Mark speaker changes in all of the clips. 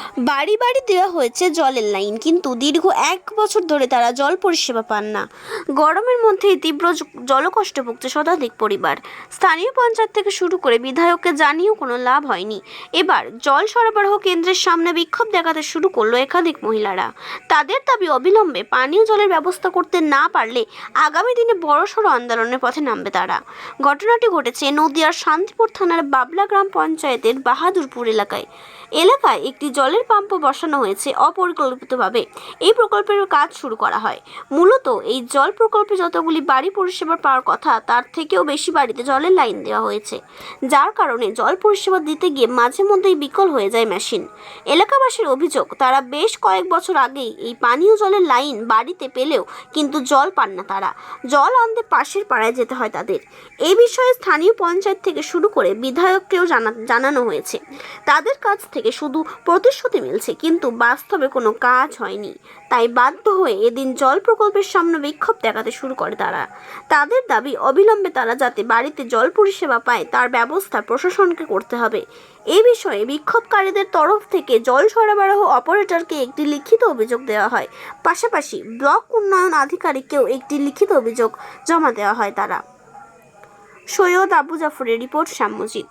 Speaker 1: বাড়ি বাড়ি দেওয়া হয়েছে জলের লাইন, কিন্তু দীর্ঘ 1 বছর ধরে তারা জল পরিষেবা পান না। গরমের মধ্যেই তীব্র জলকষ্টে ভুগছে শতাধিক পরিবার। স্থানীয় পঞ্চায়েত থেকে শুরু করে বিধায়ককে জানিয়েও কোনো লাভ হয়নি। এবার জল সরবরাহ কেন্দ্রের সামনে বিক্ষোভ দেখাতে শুরু করলো একাধিক মহিলারা। তাদের দাবি, অবিলম্বে পানীয় জলের ব্যবস্থা করতে না পারলে আগামী দিনে বড়সড় আন্দোলনের পথে নামবে তারা। ঘটনাটি ঘটেছে নদিয়ার শান্তিপুর থানার বাবলা গ্রাম পঞ্চায়েতের বাহাদুরপুর এলাকায় একটি জলের পাম্পও বসানো হয়েছে অপরিকল্পিতভাবে। এই প্রকল্পের কাজ শুরু করা হয়। মূলত এই জল প্রকল্পে যতগুলি বাড়ি পরিষেবা পাওয়ার কথা তার থেকেও বেশি বাড়িতে জলের লাইন দেওয়া হয়েছে, যার কারণে জল পরিষেবা দিতে গিয়ে মাঝে মধ্যেই বিকল হয়ে যায় মেশিন। এলাকাবাসীর অভিযোগ, তারা বেশ কয়েক বছর আগেই এই পানীয় জলের লাইন বাড়িতে পেলেও কিন্তু জল পান না তারা। জল আনতে পাশের পাড়ায় যেতে হয় তাদের। এই বিষয়ে স্থানীয় পঞ্চায়েত থেকে শুরু করে বিধায়ককেও জানানো হয়েছে। তাদের কাছ থেকে শুধু প্রতিশ্রুতি মিলছে, কিন্তু বাস্তবে কোনো কাজ হয়নি। তাই বাধ্য হয়ে এদিন জল প্রকল্পের সামনে বিক্ষোভ দেখাতে শুরু করে তারা। তাদের দাবি, অবিলম্বে তারা যাতে বাড়িতে জল পরিষেবা পায় তার ব্যবস্থা প্রশাসনকে করতে হবে। এই বিষয়ে বিক্ষোভকারীদের তরফ থেকে জল সরবরাহ অপারেটরকে একটি লিখিত অভিযোগ দেওয়া হয়। পাশাপাশি ব্লক উন্নয়ন আধিকারিককেও একটি লিখিত অভিযোগ জমা দেওয়া হয় তারা। সৈয়দ আবু জাফরের রিপোর্ট, শ্যামজিৎ।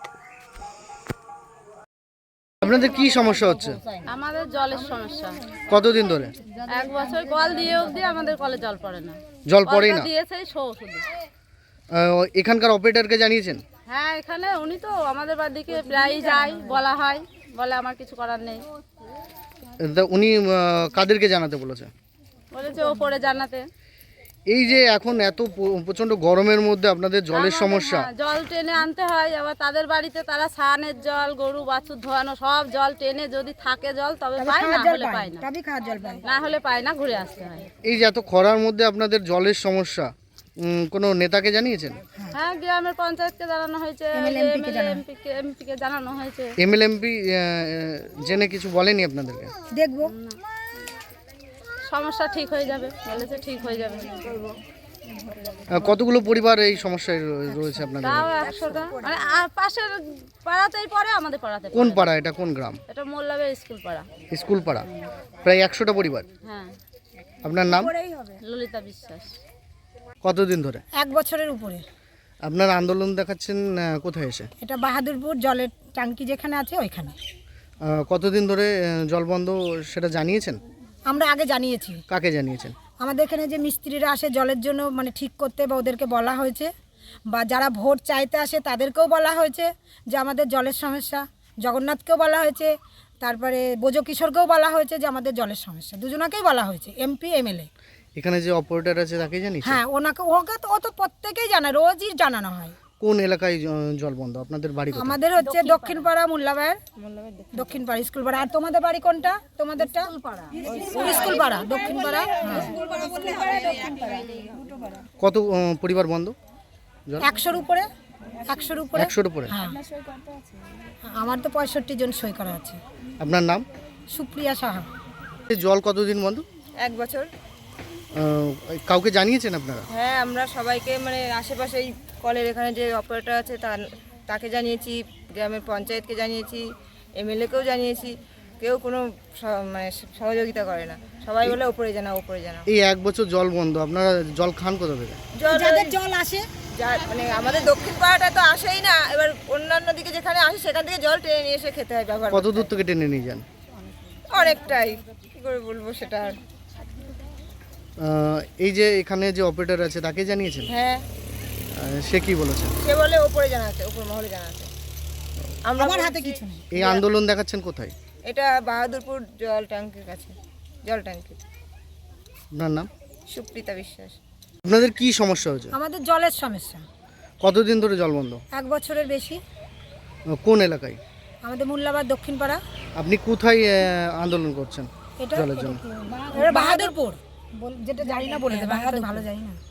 Speaker 2: আপনাদের কি সমস্যা হচ্ছে?
Speaker 3: আমাদের জলের সমস্যা।
Speaker 2: কতদিন ধরে?
Speaker 3: 1 বছর কল দিয়ে অবধি আমাদের কলে জল পড়ে না।
Speaker 2: জল পড়েই না?
Speaker 3: দিয়েছে শো শুধু।
Speaker 2: এখানকার অপারেটরকে জানিয়েছেন?
Speaker 3: হ্যাঁ, এখানে উনি তো আমাদের বাড়িতে প্রায়ই যায়, বলা হয়, বলে আমার কিছু করার নেই।
Speaker 2: উনি কাদেরকে জানাতে বলেছে?
Speaker 3: বলেছে ওপরে জানাতে।
Speaker 2: এই যে এখন এত প্রচন্ড গরমের মধ্যে আপনাদের জলের সমস্যা,
Speaker 3: জল টেনে আনতে হয়। আবার তাদের বাড়িতে তারা স্নানের জল, গরু বাছুর ধোয়ানো সব জল টেনে যদি থাকে জল তবে পায়, না হলে পায় না। না হলে পায় না, ঘুরে আসতে হয়।
Speaker 2: এই যে এত খরার মধ্যে আপনাদের জলের সমস্যা, কোনো নেতাকে জানিয়েছেন?
Speaker 3: হ্যাঁ, গ্রামের পঞ্চায়েতকে জানানো হয়েছে, এমপিকে জানানো হয়েছে।
Speaker 2: এমএলএমপি জেনে কিছু বলেনি আপনাদেরকে?
Speaker 4: দেখবো,
Speaker 3: সমস্যা ঠিক হয়ে যাবে বলেছে, ঠিক হয়ে যাবে।
Speaker 2: কতগুলো পরিবার এই সমস্যায় রয়েছে আপনাদের?
Speaker 3: তাও 100টা, মানে পাশের পাড়াতেই পড়ে, আমাদের পাড়াতে।
Speaker 2: কোন পাড়া এটা? কোন গ্রাম?
Speaker 3: এটা মোল্লাবের স্কুল পাড়া।
Speaker 2: স্কুল পাড়া, প্রায় 100টা পরিবার।
Speaker 3: হ্যাঁ।
Speaker 2: আপনার নাম?
Speaker 3: ললিতা বিশ্বাস।
Speaker 2: কতদিন ধরে?
Speaker 4: 1 বছরের উপরে।
Speaker 2: আপনার আন্দোলন দেখাচ্ছেন কোথায় এসে?
Speaker 4: এটা বাহাদুরপুর জলের ট্যাঙ্কি যেখানে আছে ওইখানে।
Speaker 2: কতদিন ধরে জল বন্ধ সেটা জানিয়েছেন?
Speaker 4: আমরা আগে জানিয়েছি।
Speaker 2: কাকে জানিয়েছেন?
Speaker 4: আমাদের এখানে যে মিস্ত্রিরা আসে জলের জন্য, মানে ঠিক করতে, বা ওদেরকে বলা হয়েছে, বা যারা ভোট চাইতে আসে তাদেরকেও বলা হয়েছে যে আমাদের জলের সমস্যা। জগন্নাথকেও বলা হয়েছে, তারপরে বোজো কিশোরকেও বলা হয়েছে যে আমাদের জলের সমস্যা। দুজনাকেই বলা হয়েছে, এমপি এমএলএ।
Speaker 2: এখানে যে অপারেটর আছে তাকে জানিয়েছেন?
Speaker 4: হ্যাঁ, ওকে তো ও তো প্রত্যেকেই জানায়, রোজই জানানো হয়।
Speaker 2: কোন এলাকায় জল বন্ধ? আপনাদের বাড়ি কোথায়?
Speaker 4: আমাদের হচ্ছে দক্ষিণ পাড়া, মোল্লাবাইয়ের দক্ষিণ পাড়া স্কুল পাড়া। আর তোমাদের বাড়ি কোনটা? তোমাদেরটা স্কুল পাড়া, দক্ষিণ পাড়া।
Speaker 2: কত পরিবার বন্ধ?
Speaker 4: 100-র উপরে। 100-র উপরে।
Speaker 2: 100-র উপরে?
Speaker 4: হ্যাঁ, আমার তো 65 জন সই করা আছে।
Speaker 2: আপনার নাম?
Speaker 4: সুপ্রিয়া সাহা।
Speaker 2: এই জল কতদিন বন্ধ?
Speaker 5: 1 বছর।
Speaker 2: কাউকে জানিয়েছেন আপনারা?
Speaker 5: হ্যাঁ, আমরা সবাইকে, মানে আশেপাশে এই কলের এখানে যে অপারেটর আছে তাকে জানিয়েছি, গ্রামের পঞ্চায়েতকে জানিয়েছি, এমএলএকেও জানিয়েছি। কেউ কোনো মানে সহযোগিতা করে না। সবাই বলে ওপরে জানাও, ওপরে জানাও।
Speaker 2: এই 1 বছর জল বন্ধ, আপনারা জল খান কোথা থেকে?
Speaker 4: যাদের জল আসে,
Speaker 5: মানে আমাদের দক্ষিণ পাড়াটা তো আসেই না। এবার অন্যান্য দিকে যেখানে আসে সেখান থেকে জল টেনে নিয়ে এসে খেতে হয়, ব্যবহার
Speaker 2: কত দূর থেকে টেনে নিয়ে যান?
Speaker 5: অনেকটাই, কী করে বলবো সেটা আর।
Speaker 2: এই যে এখানে যে অপারেটর আছে তাকে জানিয়েছেন?
Speaker 5: হ্যাঁ।
Speaker 2: সে কি বলেছে?
Speaker 5: সে বলে ওপরে জানাতে, ওপর মহলে জানাতে।
Speaker 4: আমার হাতে কিছু নেই।
Speaker 2: এই আন্দোলন দেখাচ্ছেন কোথায়?
Speaker 5: এটা বাহাদুরপুর জল ট্যাঙ্কির কাছে, জল ট্যাঙ্কি।
Speaker 2: আপনার নাম?
Speaker 5: সুপ্রিতা বিশ্বাস।
Speaker 2: আপনাদের কি সমস্যা হয়েছে?
Speaker 4: আমাদের জলের সমস্যা।
Speaker 2: কতদিন ধরে জল বন্ধ?
Speaker 4: 1 বছরের বেশি।
Speaker 2: কোন এলাকায়?
Speaker 4: আমাদের মোল্লাবাদ দক্ষিণ পাড়া।
Speaker 2: আপনি কোথায় আন্দোলন করছেন
Speaker 4: এটা
Speaker 2: জলের জন্য?
Speaker 4: বাহাদুরপুর, যেটা জানি না বলে দেবে, ভালো জানি না।